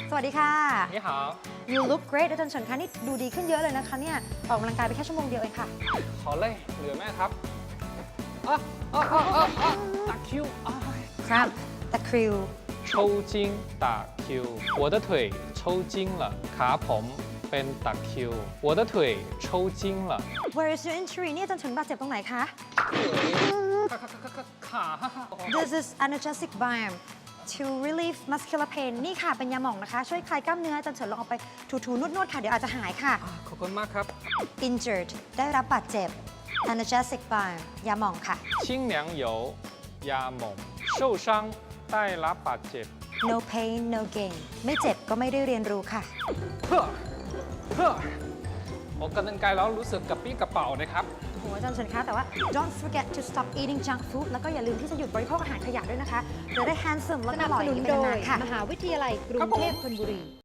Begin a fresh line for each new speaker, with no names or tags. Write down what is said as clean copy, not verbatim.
สวัสดีค่ะ
你好
You look great อาจารย์เฉินคะนี่ดูดีขึ้นเยอะเลยนะคะเนี่ยออกกำลังกายไปแค่ชั่วโมงเดียวเองค่ะ
好累เหลือไหมครับ打 Q
ครับตะคริว
抽筋打 Q 我的腿抽筋了ขาผมเป็นตะคริว我的腿抽筋了
Where is your injury นี่อาจารย์เฉินบาดเจ็บตรงไหนคะ
ขา
This is analgesic balm to relieve muscular pain นี่ค่ะเป็นยาหม่องนะคะช่วยคลายกล้ามเนื้ออาจารย์เฉินลองเอาไปถูๆนวดๆค่ะเดี๋ยวอาจจะหายค่ะ
ขอบคุณมากครับ
Injured ได้รับบาดเจ็บ analgesic balm ยาหม่องค่ะ
清凉油ยาหม่อง受伤ได้รับบาดเจ็บ
No pain no gain ไม่เจ็บก็ไม่ได้เรียนรู้ค่ะ
ออกกำลังกายแล้วรู้สึกกระปี้กระเป๋านะครับ
โหอาจารย์เฉินคะแต่ว่า don't forget to stop eating junk food แล้วก็อย่าลืมที่จะหยุดบริโภคอาหารขยะด้วยนะคะจะได้ handsome และ
ส
ก็
นับ
หล่อ
ส
อ
นุ
ย่าน งนี้ไป
โด
นาย นๆค่ะ
มหาวิทยาลัยกรุงเทพธนบุรี